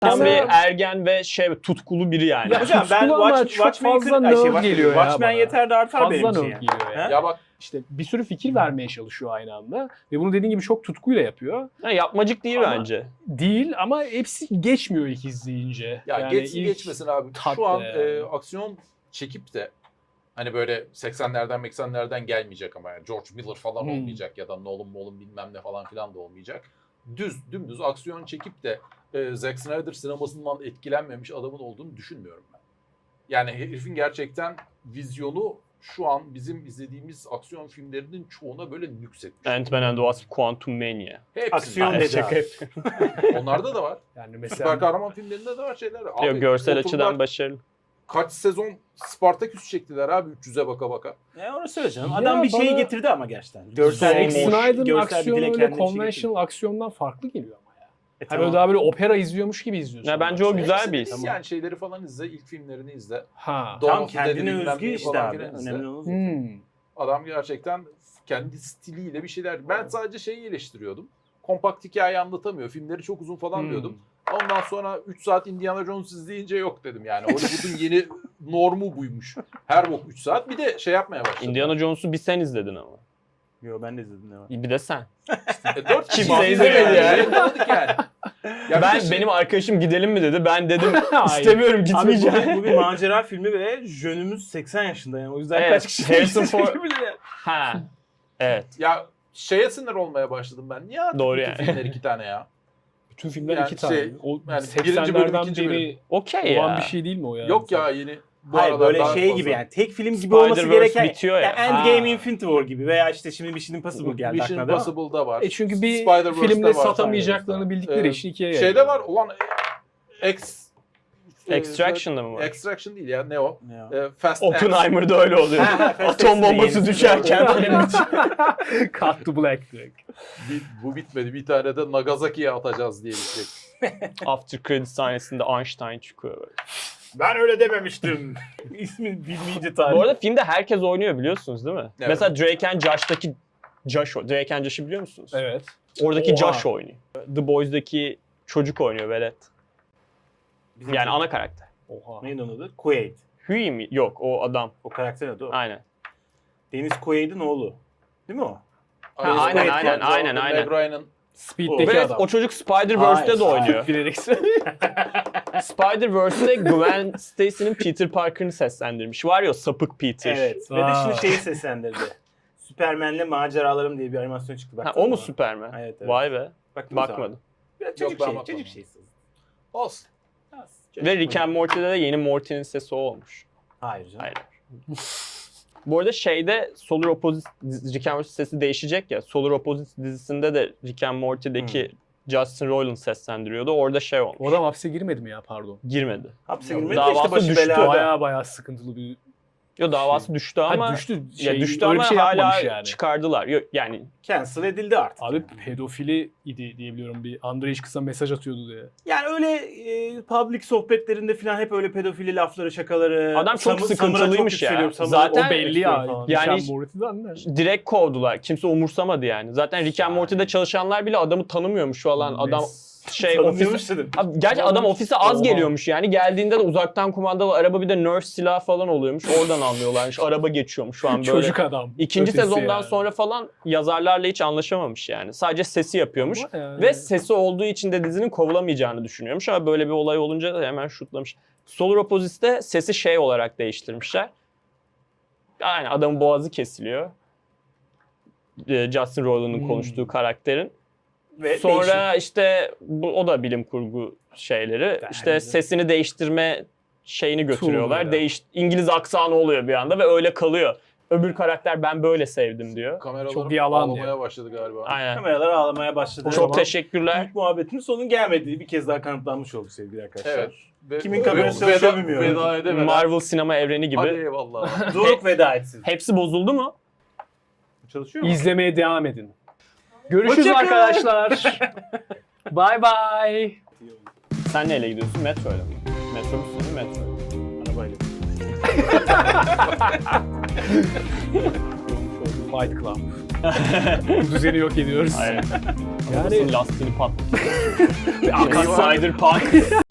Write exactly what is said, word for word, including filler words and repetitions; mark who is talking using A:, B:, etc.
A: Tam
B: Mesela-
A: bir ergen ve şey tutkulu biri yani.
B: Ya
C: Hocam ben
B: tutkulu ama
C: Watch,
B: çok
C: Watchmen'i
B: fazla
C: kır- ay, şey,
B: nerd
C: Watchmen-
B: geliyor ya
C: Watchmen
B: bana.
C: yeter de artar
B: Fazla
C: benim için
B: nerd
C: yani.
B: geliyor yani.
C: He?
B: Ya bak işte bir sürü fikir vermeye çalışıyor aynı anda ve bunu dediğin gibi çok tutkuyla yapıyor.
A: Ha, yapmacık değil
B: Ama-
A: bence.
B: Değil ama hepsi geçmiyor ilk izleyince.
D: Ya
B: Yani
D: geçsin
B: ilk-
D: geçmesin abi.
B: tat
D: Şu an
B: be.
D: e, aksiyon çekip de hani böyle seksenlerden seksenlerden gelmeyecek ama yani George Miller falan
B: Hmm.
D: olmayacak ya da Nolan Nolan bilmem ne falan filan da olmayacak. Düz dümdüz aksiyon çekip de e, Zack Snyder sinemasından etkilenmemiş adamın olduğunu düşünmüyorum ben. Yani herifin gerçekten vizyonu şu an bizim izlediğimiz aksiyon filmlerinin çoğuna böyle nüksetmiş.
A: Ant-Man and the Wasp, Quantum Mania.
D: Hepsinde.
C: Aksiyon
A: Ha,
C: dedi
A: şaka
C: abi.
A: yapıyorum.
D: Onlarda da var.
B: Yani
D: Süper
B: mesela
D: kahraman filmlerinde de var şeyler. Abi,
A: Yok, görsel
D: oturdular,
A: açıdan başarılı.
D: kaç sezon Spartaküs çektiler abi üç yüze baka baka.
C: Ya onu söyleyeceğim.
B: Ya
C: Adam bir şeyi
B: bana-
C: getirdi ama gerçekten. Görsel
A: Zack
C: bir
B: Zack
C: moş-
B: Snyder'ın
C: görsel bir
B: aksiyonu
C: dile
B: öyle
C: kendine bir şey
B: conventional aksiyondan farklı geliyor ama ya.
C: getirdi. E,
B: Hani
C: tamam.
B: böyle daha böyle opera izliyormuş gibi izliyorsun.
A: Ya bence o
B: bazen.
A: güzel
D: Hepsini
A: bir
D: iz
A: his.
D: Yani şeyleri falan izle, ilk filmlerini izle.
B: Ha.
D: Dawn
C: Tam
D: of the Dead'i
C: kendine
D: bilmem
C: özgü
D: neyi
C: işte
D: falan
C: abi.
D: filan izle.
C: Önemli olan o.
B: Hmm.
D: Adam gerçekten kendi stiliyle bir şeyler. Ben sadece şeyi eleştiriyordum. Kompakt hikaye anlatamıyor. Filmleri çok uzun falan
B: Hmm.
D: diyordum. Ondan sonra üç saat Indiana Jones izleyince yok dedim yani. Hollywood'un yeni normu buymuş. Her bok üç saat. Bir de şey yapmaya başladı.
A: Indiana Jones'u bir sen izledin ama.
C: Yo ben de izledim ne var.
A: Bir de sen.
D: E, dört kişi
A: Kimse
D: izledi
A: izlemedi yani.
D: Yakaladık yani. Ya bir
A: ben
D: de şey-
A: benim arkadaşım gidelim mi dedi. Ben dedim
B: Hayır.
A: istemiyorum
C: Abi
A: gitmeyeceğim.
C: bu, bu bir macera filmi ve jönümüz seksen yaşında yani. O yüzden
A: Evet,
C: kaç kişi
A: Harrison
C: izleyecek
A: Ford-
C: bilir yani.
A: Ha. Evet.
D: Ya şeye sinir olmaya başladım ben. Niye artık
A: Doğru
D: bütün
A: yani.
D: filmler iki tane ya?
B: Bütün filmler
D: Yani
B: iki tane.
D: şey,
B: o
D: yani birinci bölüm,
B: seksenlerden
D: ikinci
B: beri
A: Okey
B: olan
A: ya.
B: bir şey değil mi o ya?
D: Yok ya yeni. Bu
C: Hayır
D: aralar
C: böyle
D: daha
C: şey
D: fazla.
C: gibi yani tek film gibi olması
A: Spider-Verse
C: gereken
A: bitiyor ya.
C: yani Endgame
B: Ha.
C: Infinity War gibi veya işte şimdi Mission Impossible geldi
D: Mission
C: aklına değil mi?
D: Impossible'da var.
B: E çünkü bir
D: Spider-Verse'de
B: filmde
D: var.
B: satamayacaklarını bildikleri
D: Ee,
B: için ikiye
D: Şeyde
B: yayıyorlar.
D: var ulan X
A: Extraction'da mı var?
D: Extraction değil ya ne o?
C: Ya.
D: Ee, Fast X.
A: Oppenheimer'da öyle oluyor.
C: Ha, ha, Fast
A: Atom
C: X'de
A: bombası
C: yenisi.
A: düşerken film bitiyor.
B: Cut to black direkt.
D: Bir- bu bitmedi. Bir tane de Nagasaki'ye atacağız diye bitecek.
A: After credit sahnesinde Einstein çıkıyor böyle.
C: Ben öyle dememiştim. İsmi bilmeyince tarih.
A: Bu arada filmde herkes oynuyor biliyorsunuz değil mi?
D: Evet.
A: Mesela Drake and Josh'taki Josh, o- Drake and Josh'ı biliyor musunuz?
B: Evet.
A: Oradaki
B: Oha.
A: Josh oynuyor. The Boys'daki çocuk oynuyor velet.
C: Bizim
A: Yani ana karakter.
B: Oha.
C: Neydi onun adı? Quaid.
A: Huey mi? Yok o adam.
C: O karakter adı o.
A: Aynen.
C: Deniz Quaid'in oğlu. Değil mi o?
A: Ha, aynen,
D: Quaid
A: aynen,
D: var,
A: aynen,
D: Meg
A: aynen.
D: Ryan'ın
B: Speed'deki
A: Ve
B: adam.
A: o çocuk Spider-Verse'de de
C: Hayır,
A: oynuyor.
B: Bilerek
A: Spider-Verse'de Gwen Stacy'nin Peter Parker'ını seslendirmiş. Var ya o sapık Peter.
C: Evet. Ve de
B: Aa.
C: şimdi şeyi seslendirdi. Superman'le Maceralarım diye bir animasyon çıktı.
A: Ha,
C: Baktın
A: o mu
C: mı?
A: Superman?
C: Evet, evet.
A: Vay be.
C: Baktın mı
A: Bakmadım.
C: sana? Ya çocuk
D: ben
C: şey,
D: bakmadım.
C: çocuk şeysi.
D: olsun.
A: Ve Rick and Morty'de de yeni Morty'nin sesi o olmuş.
C: Hayır canım.
A: Hayır. Bu arada şeyde Solar Opposite, Rick and Morty sesi değişecek ya. Solar Opposite dizisinde de Rick and Morty'deki Justin Roiland seslendiriyordu. Orada şey olmuş.
B: O adam hapse girmedi mi ya pardon?
A: Girmedi.
C: Hapse
D: Yok,
C: girmedi de
A: davası
C: işte başı
A: düştü.
C: belada.
B: Baya baya sıkıntılı bir
A: Yo davası düştü ama
B: ha, düştü. Şey,
A: ya düştü
B: öyle
A: ama
B: bir şey
A: hala
B: yapmamış yani.
A: çıkardılar. Yo, yani
C: Cancel edildi artık.
B: Abi
C: yani.
B: pedofili idi diyebiliyorum. Bir Andrej kısa mesaj atıyordu diye.
C: Yani öyle e, public sohbetlerinde falan hep öyle pedofili lafları, şakaları.
A: Adam çok
C: Samı-
A: sıkıntılıymış
C: Samura çok
A: ya.
C: yükseliyor, Samura-
A: Zaten
B: O belli ya.
C: falan.
A: Yani
B: Yani
A: hiç-
B: Morty'den de.
A: direkt kovdular. Kimse umursamadı yani. Zaten Rick and
C: Yani.
A: Morty'de çalışanlar bile adamı tanımıyormuş falan. Adam şey
C: Tanımıyormuş
A: ofise...
C: dedim.
A: Abi, gerçi adam ofise az
B: Oha.
A: geliyormuş yani. Geldiğinde de uzaktan kumandalı araba bir de nerf silah falan oluyormuş. Oradan anlıyorlarmış. Araba geçiyormuş şu an böyle.
B: Çocuk adam.
A: İkinci
B: Ötesi
A: sezondan
B: yani.
A: sonra falan yazarlarla hiç anlaşamamış yani. Sadece sesi yapıyormuş.
B: Ama yani-
A: Ve sesi olduğu için de dizinin kovulamayacağını düşünüyormuş ama böyle bir olay olunca da hemen şutlamış. Solar Opposite'de sesi şey olarak değiştirmişler. Yani adamın boğazı kesiliyor. Ee, Justin Roiland'ın
B: Hmm.
A: konuştuğu karakterin.
C: Ve
A: Sonra işte bu, o da bilim kurgu şeyleri. İşte
C: Bence.
A: sesini değiştirme şeyini götürüyorlar.
B: Tool'u ya.
A: Değiş, İngiliz aksanı oluyor bir anda ve öyle kalıyor. Öbür karakter ben böyle sevdim diyor.
D: Kameralar
B: Çok yalan
D: ağlamaya
B: ya.
D: başladı galiba.
A: Aynen.
C: kameralar ağlamaya başladı.
B: O
A: Çok
B: zaman-
A: teşekkürler.
C: İlk muhabbetin sonun gelmediği bir kez daha kanıtlanmış oldu sevgili arkadaşlar.
D: Evet. Ve-
C: Kimin kamerası
D: veda-
C: çalışıyor bilmiyorum.
D: Veda edemeden.
A: Marvel sinema evreni gibi.
D: Hadi eyvallah.
C: Doruk veda etsin.
A: Hepsi bozuldu mu?
C: Çalışıyor mu?
B: İzlemeye devam edin. Görüşürüz
C: Hoşça kalın.
B: arkadaşlar. Bye bye.
A: Sen neyle gidiyorsun? Metroyla mı? Metrobüs değil mi? Metro.
C: Arabayla.
B: Fight Club. Bu düzeni yok ediyoruz.
A: Aynen.
B: Yani
A: lastiğini pat.
B: Akan
A: Spider Punk.